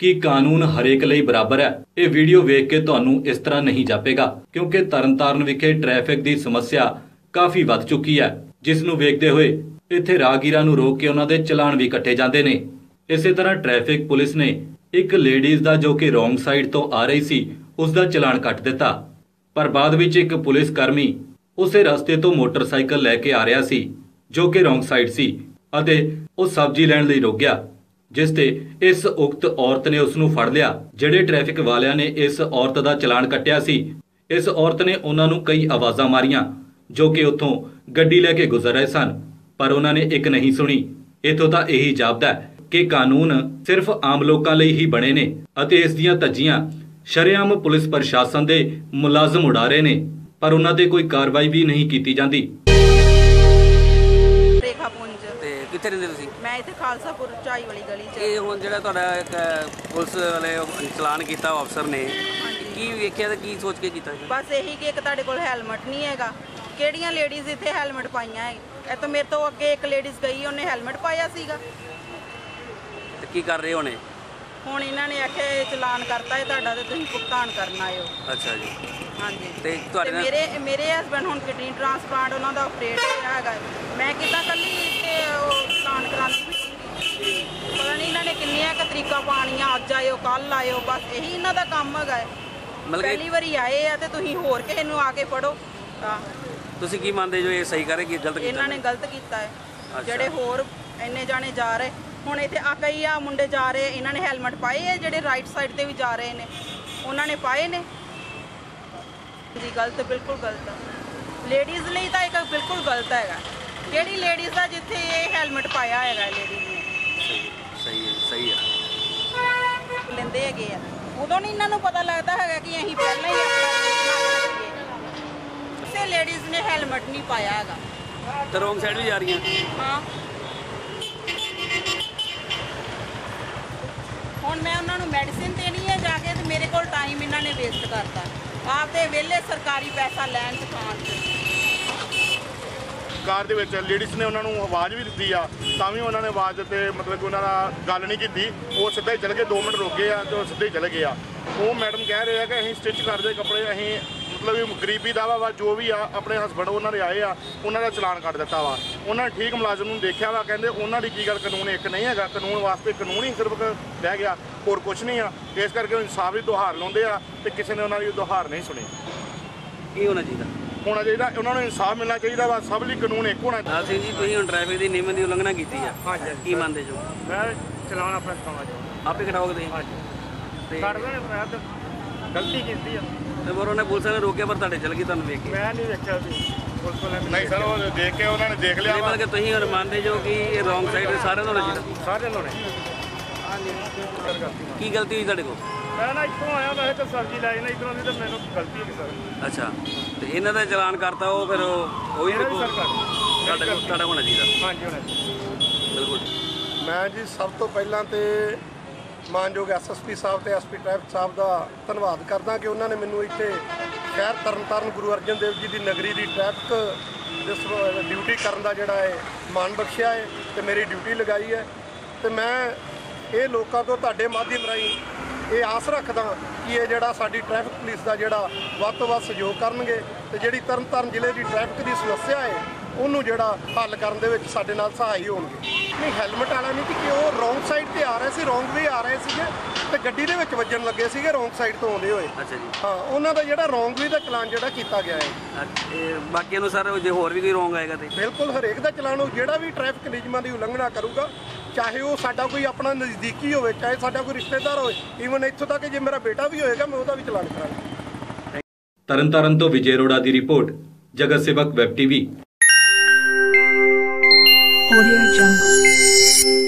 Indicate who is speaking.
Speaker 1: कि कानून हरेक ਲਈ बराबर है। ये वीडियो वेख के ਤੁਹਾਨੂੰ इस तरह नहीं जापेगा क्योंकि तरनताਰਨ विखे ट्रैफिक की समस्या काफ़ी वध चुकी है, जिस ਨੂੰ ਵੇਖਦੇ ਹੋਏ ਇੱਥੇ ਰਾਹਗੀਰਾਂ ਨੂੰ रोक के ਉਹਨਾਂ ਦੇ ਚਲਾਨ भी ਕੱਟੇ ਜਾਂਦੇ ਨੇ। ਇਸੇ तरह ट्रैफिक पुलिस ने एक लेडीज़ ਦਾ जो कि रोंग साइड तो आ रही सी ਉਸ ਦਾ ਚਲਾਨ ਕੱਟ ਦਿੱਤਾ, पर बाद ਵਿੱਚ एक पुलिस कर्मी ਉਸੇ ਰਸਤੇ ਤੋਂ मोटरसाइकिल लैके आ रहा सी जो कि रोंग साइड सी ਅਤੇ ਉਹ सब्जी ਲੈਣ ਲਈ रुक गया, जिस ते इस उक्त औरत ने उसनू फड़ लिया। ਜਿਹੜੇ ट्रैफिक वालियां ने इस औरत ਦਾ ਚਲਾਨ ਕੱਟਿਆ ਸੀ, इस औरत ने ਉਹਨਾਂ ਨੂੰ कई आवाज़ां मारियां जो कि ਉੱਥੋਂ ਗੱਡੀ ਲੈ ਕੇ गुजर रहे सन, पर ਉਹਨਾਂ ने एक नहीं सुनी। इथों ਤਾਂ ਇਹੀ ਜਾਪਦਾ कि कानून सिर्फ आम लोगों ਲਈ ही बने ने ਅਤੇ ਇਸ ਦੀਆਂ ਧੱਜੀਆਂ ਸ਼ਰੇਆਮ पुलिस प्रशासन ਦੇ मुलाजम उड़ा रहे ने, पर ਉਹਨਾਂ ਤੇ ਕੋਈ कार्रवाई भी नहीं की जाती।
Speaker 2: ਕਿੱਥੇ ਰਹਿੰਦੇ ਤੁਸੀਂ?
Speaker 3: ਮੈਂ ਇੱਥੇ ਖਾਲਸਾਪੁਰ ਚਾਈ ਵਾਲੀ ਗਲੀ 'ਚ।
Speaker 2: ਇਹ ਹੁਣ ਜਿਹੜਾ ਤੁਹਾਡਾ ਇੱਕ ਪੁਲਿਸ ਵਾਲੇ ਚਲਾਨ ਕੀਤਾ ਅਫਸਰ ਨੇ, ਕੀ ਵੇਖਿਆ ਤੇ ਕੀ ਸੋਚ ਕੇ ਕੀਤਾ?
Speaker 3: ਬਸ ਇਹੀ ਕਿ ਇੱਕ ਤੁਹਾਡੇ ਕੋਲ ਹੈਲਮਟ ਨਹੀਂ ਹੈਗਾ। ਕਿਹੜੀਆਂ ਲੇਡੀਜ਼ ਇੱਥੇ ਹੈਲਮਟ ਪਾਈਆਂ ਹੈ? ਇਹ ਤਾਂ ਮੇਰੇ ਤੋਂ ਅੱਗੇ ਇੱਕ ਲੇਡੀਜ਼ ਗਈ, ਉਹਨੇ ਹੈਲਮਟ ਪਾਇਆ ਸੀਗਾ।
Speaker 2: ਤੇ ਕੀ ਕਰ ਰਹੇ ਹੋਣੇ?
Speaker 3: ਹੁਣ ਇਹਨਾਂ ਨੇ ਆਖਿਆ ਚਲਾਨ ਕਰਤਾ ਹੈ ਤੁਹਾਡਾ ਤੇ ਤੁਸੀਂ ਭੁਗਤਾਨ ਕਰਨਾ ਆਇਓ।
Speaker 2: ਅੱਛਾ ਜੀ।
Speaker 3: ਹਾਂਜੀ।
Speaker 2: ਤੇ ਤੁਹਾਡੇ
Speaker 3: ਮੇਰੇ ਹਸਬੈਂਡ ਹੁਣ ਕਿਡਨੀ ਟ੍ਰਾਂਸਪਲਾਂਟ ਉਹਨਾਂ ਦਾ ਆਪਰੇਟ ਹੋਇਆ ਹੈਗਾ। ਮੈਂ ਕਿੱਦਾਂ ਕੱਲੀ ਇੱਥੇ ਉਹ ਚਲਾਨ ਕਰਾਉਂਦੀ? ਪਤਾ ਨਹੀਂ ਇਹਨਾਂ ਨੇ ਕਿੰਨੀਆਂ ਕੁ ਤਰੀਕਾਂ ਪਾਉਣੀਆਂ, ਅੱਜ ਆਇਓ ਕੱਲ ਆਇਓ, ਬਸ ਇਹੀ ਇਹਨਾਂ ਦਾ ਕੰਮ ਹੈਗਾ। ਪਹਿਲੀ ਵਾਰੀ ਆਏ ਆ ਤੇ ਤੁਸੀਂ ਹੋਰ ਕਿਸੇ ਨੂੰ ਆ ਕੇ ਫੜੋ।
Speaker 2: ਤੁਸੀਂ ਕੀ ਮੰਨਦੇ ਜੋ ਇਹ ਸਹੀ ਕਰੇ ਕਿ ਗਲਤ ਕੀਤਾ?
Speaker 3: ਇਹਨਾਂ ਨੇ ਗਲਤ ਕੀਤਾ ਹੈ। ਜਿਹੜੇ ਹੋਰ ਇੰਨੇ ਜਾਣੇ ਜਾ ਰਹੇ ਹੁਣ ਇੱਥੇ ਆ ਕਈ ਆ ਮੁੰਡੇ ਜਾ ਰਹੇ, ਇਹਨਾਂ ਨੇ ਹੈਲਮਟ ਪਾਏ ਆ। ਜਿਹੜੇ ਰਾਈਟ ਸਾਈਡ ਤੇ ਵੀ ਜਾ ਰਹੇ ਨੇ ਉਹਨਾਂ ਨੇ ਪਾਏ ਨੇ ਜੀ। ਗਲਤ, ਬਿਲਕੁਲ ਗਲਤ। ਲੇਡੀਜ਼ ਲਈ ਤਾਂ ਇੱਕ ਬਿਲਕੁਲ ਗਲਤ ਹੈਗਾ। ਕਿਹੜੀ ਲੇਡੀਜ਼ ਦਾ ਜਿੱਥੇ ਇਹ ਹੈਲਮਟ ਪਾਇਆ ਹੈਗਾ ਲੇਡੀਜ਼ ਨੇ?
Speaker 2: ਸਹੀ ਹੈ
Speaker 3: ਲੈਂਦੇ ਹੈਗੇ ਆ। ਉਦੋਂ ਨਹੀਂ ਇਹਨਾਂ ਨੂੰ ਪਤਾ ਲੱਗਦਾ ਹੈਗਾ ਕਿ ਅਸੀਂ ਪਹਿਲਾਂ ਹੀ ਆਪਣਾ ਕਿਸੇ ਲੇਡੀਜ਼ ਨੇ ਹੈਲਮਟ ਨਹੀਂ ਪਾਇਆ ਹੈਗਾ।
Speaker 2: ਤੇ ਰੋਂਗ ਸਾਈਡ ਵੀ ਜਾ ਰਹੀਆਂ।
Speaker 3: ਹਾਂ, ਹੁਣ ਮੈਂ ਉਹਨਾਂ ਨੂੰ ਮੈਡੀਸਿਨ ਦੇਣੀ ਹੈ ਜਾ ਕੇ, ਤੇ ਮੇਰੇ ਕੋਲ ਟਾਈਮ ਇਹਨਾਂ ਨੇ ਵੇਸਟ ਕਰਤਾ ਆਪਦੇ ਵਿਹਲੇ ਸਰਕਾਰੀ ਪੈਸਾ ਲੈਣ ਚ ਖਾਣ ਚ।
Speaker 4: ਕਾਰ ਦੇ ਵਿੱਚ ਲੇਡੀਜ਼ ਨੇ ਉਹਨਾਂ ਨੂੰ ਆਵਾਜ਼ ਵੀ ਦਿੱਤੀ ਆ, ਤਾਂ ਵੀ ਉਹਨਾਂ ਨੇ ਆਵਾਜ਼ ਤੇ ਮਤਲਬ ਕਿ ਉਹਨਾਂ ਦਾ ਗੱਲ ਨਹੀਂ ਕੀਤੀ। ਉਹ ਸਿੱਧਾ ਹੀ ਚਲੇ ਗਏ, 2 ਮਿੰਟ ਰੁਕੇ ਆ ਤੇ ਉਹ ਸਿੱਧੇ ਹੀ ਚਲੇ ਗਏ ਆ। ਉਹ ਮੈਡਮ ਕਹਿ ਰਹੇ ਆ ਕਿ ਅਸੀਂ ਸਟਿਚ ਕਰਦੇ ਕੱਪੜੇ, ਅਸੀਂ ਮਤਲਬ ਗਰੀਬੀ ਦਾ ਵਾ ਜੋ ਵੀ ਆ ਆਪਣੇ ਹਸਬੈਂਡ ਉਹਨਾਂ ਦੇ ਆਏ ਆ, ਉਹਨਾਂ ਦਾ ਚਲਾਨ ਕੱਟ ਦਿੱਤਾ ਵਾ। ਉਹਨਾਂ ਨੇ ਠੀਕ ਮੁਲਾਜ਼ਮ ਨੂੰ ਦੇਖਿਆ ਵਾ, ਕਹਿੰਦੇ ਉਹਨਾਂ ਦੀ ਕੀ ਗੱਲ, ਕਾਨੂੰਨ ਇੱਕ ਨਹੀਂ ਹੈਗਾ। ਕਾਨੂੰਨ ਵਾਸਤੇ ਕਾਨੂੰਨ ਹੀ ਸਿਰਫ ਰਹਿ ਗਿਆ, ਹੋਰ ਕੁਛ ਨਹੀਂ ਆ। ਇਸ ਕਰਕੇ ਇਨਸਾਫ ਦੀ ਦੁਹਾਰ ਲਾਉਂਦੇ ਆ ਤੇ ਕਿਸੇ ਨੇ ਉਹਨਾਂ ਦੀ ਦੁਹਾਰ ਨਹੀਂ ਸੁਣੀ।
Speaker 2: ਕੀ ਹੋਣਾ ਚਾਹੀਦਾ?
Speaker 4: ਹੋਣਾ ਚਾਹੀਦਾ, ਉਹਨਾਂ ਨੂੰ ਇਨਸਾਫ ਮਿਲਣਾ ਚਾਹੀਦਾ ਵਾ। ਸਭ ਲਈ ਕਾਨੂੰਨ ਇੱਕ ਹੋਣਾ ਚਾਹੀਦਾ।
Speaker 2: ਸਿੰਘ ਜੀ, ਤੁਸੀਂ ਹੁਣ ਟ੍ਰੈਫਿਕ ਦੀ ਨਿਯਮਾਂ ਦੀ ਉਲੰਘਣਾ ਕੀਤੀ ਆ, ਕੀ ਮੰਨਦੇ ਜੋ?
Speaker 5: ਮੈਂ ਚਲਾਨ ਆਪਣਾ ਕਟਾਉਣਾ ਚਾਹੁੰਦਾ।
Speaker 2: ਆਪੇ ਕਟਾਓਗੇ ਤੁਸੀਂ?
Speaker 5: ਹਾਂਜੀ।
Speaker 2: ਤੇ
Speaker 5: ਕੱਢਦੇ ਨੇ, ਮੈਂ ਤਾਂ ਗਲਤੀ ਕੀਤੀ ਆ।
Speaker 2: ਤੇ ਪਰ ਉਹਨੇ ਪੁਲਿਸ ਨੇ ਰੋਕਿਆ, ਪਰ ਤੁਹਾਡੇ ਚਲ ਗਈ ਤੁਹਾਨੂੰ ਵੇਖ ਕੇ?
Speaker 5: ਮੈਂ ਨਹੀਂ ਵੇਖਿਆ ਸੀ ਪੁਲਿਸ ਵਾਲਿਆਂ ਨੇ।
Speaker 4: ਨਹੀਂ ਸਰ, ਉਹ ਦੇਖ ਕੇ ਉਹਨਾਂ ਨੇ ਦੇਖ ਲਿਆ।
Speaker 2: ਮਤਲਬ ਕਿ ਤੁਸੀਂ ਹੁਣ ਮੰਨਦੇ ਜੋ ਕਿ ਇਹ ਰੋਂਗ ਸਾਈਡ ਦੇ ਸਾਰਿਆਂ ਨੂੰ ਹੋਣਾ ਚਾਹੀਦਾ?
Speaker 5: ਸਾਰੇ ਲੋਣੇ।
Speaker 2: ਕੀ ਗਲਤੀ ਹੋਈ ਤੁਹਾਡੇ ਕੋਲ?
Speaker 5: ਮੈਂ ਨਾ ਇੱਥੋਂ ਆਇਆ, ਵੈਸੇ ਤਾਂ ਸਬਜ਼ੀ ਲੈ ਜਾਣਾ ਇੱਧਰੋਂ ਦੀ, ਤਾਂ ਮੈਨੂੰ ਗਲਤੀ ਹੈ ਸਰ।
Speaker 2: ਅੱਛਾ, ਤੇ ਇਹਨਾਂ ਦਾ ਚਲਾਨ ਕਰਤਾ, ਉਹ ਫਿਰ ਉਹ ਵੀ ਤੁਹਾਡਾ ਹੋਣਾ ਚਾਹੀਦਾ?
Speaker 5: ਹਾਂਜੀ ਹੋਣਾ ਚਾਹੀਦਾ,
Speaker 2: ਬਿਲਕੁਲ।
Speaker 6: ਮੈਂ ਜੀ ਸਭ ਤੋਂ ਪਹਿਲਾਂ ਤੇ ਮਾਨਯੋਗ ਐਸਐਸਪੀ ਸਾਹਿਬ ਤੇ ਐਸਪੀ ਟ੍ਰੈਫਿਕ ਸਾਹਿਬ ਦਾ ਧੰਨਵਾਦ ਕਰਦਾ ਕਿ ਉਹਨਾਂ ਨੇ ਮੈਨੂੰ ਇੱਥੇ ਸ਼ਹਿਰ ਤਰਨਤਾਰਨ ਗੁਰੂ ਅਰਜਨ ਦੇਵ ਜੀ ਦੀ ਨਗਰੀ ਦੀ ਟ੍ਰੈਫਿਕ ਡਿਊਟੀ ਕਰਨ ਦਾ ਜਿਹੜਾ ਹੈ ਮਾਣ ਬਖਸ਼ਿਆ ਹੈ ਤੇ ਮੇਰੀ ਡਿਊਟੀ ਲਗਾਈ ਹੈ। ਤੇ ਮੈਂ ਇਹ ਲੋਕਾਂ ਤੋਂ ਤੁਹਾਡੇ ਮਾਧਿਅਮ ਰਾਹੀਂ ਇਹ ਆਸ ਰੱਖਦਾ ਕਿ ਇਹ ਜਿਹੜਾ ਸਾਡੀ ਟ੍ਰੈਫਿਕ ਪੁਲਿਸ ਦਾ ਜਿਹੜਾ ਵੱਧ ਤੋਂ ਵੱਧ ਸਹਿਯੋਗ ਕਰਨਗੇ ਤੇ ਜਿਹੜੀ ਤਰਨਤਾਰਨ ਜ਼ਿਲ੍ਹੇ ਦੀ ਟ੍ਰੈਫਿਕ ਦੀ ਸਮੱਸਿਆ ਹੈ ਉਹਨੂੰ ਜਿਹੜਾ ਹੱਲ ਕਰਨ ਦੇ ਵਿੱਚ ਸਾਡੇ ਨਾਲ ਸਹਾਈ ਹੋਣਗੇ। ਨਹੀਂ, ਹੈਲਮਟ ਵਾਲਾ ਨਹੀਂ ਕਿ ਉਹ ਰੋਂਗ ਸਾਈਡ ਤੇ ਆ ਰਹੇ ਸੀ, ਰੋਂਗ ਵੇ ਆ ਰਹੇ ਸੀਗੇ ਤੇ ਗੱਡੀ ਦੇ ਵਿੱਚ ਵੱਜਣ ਲੱਗੇ ਸੀਗੇ ਰੋਂਗ ਸਾਈਡ ਤੋਂ ਆਉਂਦੇ ਹੋਏ।
Speaker 2: ਅੱਛਾ ਜੀ।
Speaker 6: ਹਾਂ, ਉਹਨਾਂ ਦਾ ਜਿਹੜਾ ਰੋਂਗ ਵੇ ਦਾ ਚਲਾਨ ਜਿਹੜਾ ਕੀਤਾ ਗਿਆ ਹੈ।
Speaker 2: ਬਾਕੀਆਂ ਨੂੰ ਸਰ ਜੇ ਹੋਰ ਵੀ ਕੋਈ ਰੋਂਗ ਆਏਗਾ ਤੇ
Speaker 6: ਬਿਲਕੁਲ ਹਰੇਕ ਦਾ ਚਲਾਨ ਹੋ, ਜਿਹੜਾ ਵੀ ਟ੍ਰੈਫਿਕ ਨਿਯਮਾਂ ਦੀ ਉਲੰਘਣਾ ਕਰੂਗਾ, ਚਾਹੇ ਉਹ ਸਾਡਾ ਕੋਈ ਆਪਣਾ ਨਜ਼ਦੀਕੀ ਹੋਵੇ, ਚਾਹੇ ਸਾਡਾ ਕੋਈ ਰਿਸ਼ਤੇਦਾਰ ਹੋਵੇ, ਈਵਨ ਇੱਥੋਂ ਤੱਕ ਜੇ ਮੇਰਾ ਬੇਟਾ ਵੀ ਹੋਏਗਾ ਮੈਂ ਉਹਦਾ ਵੀ ਚਲਾਨ ਕਰਾਂਗਾ।
Speaker 1: ਤਰਨਤਾਰਨ ਤੋਂ ਵਿਜੇ ਅਰੋੜਾ ਦੀ ਰਿਪੋਰਟ, ਜਗਤ ਸੇਵਕ ਵੈਬ ਟੀਵੀ। Audio Jungle।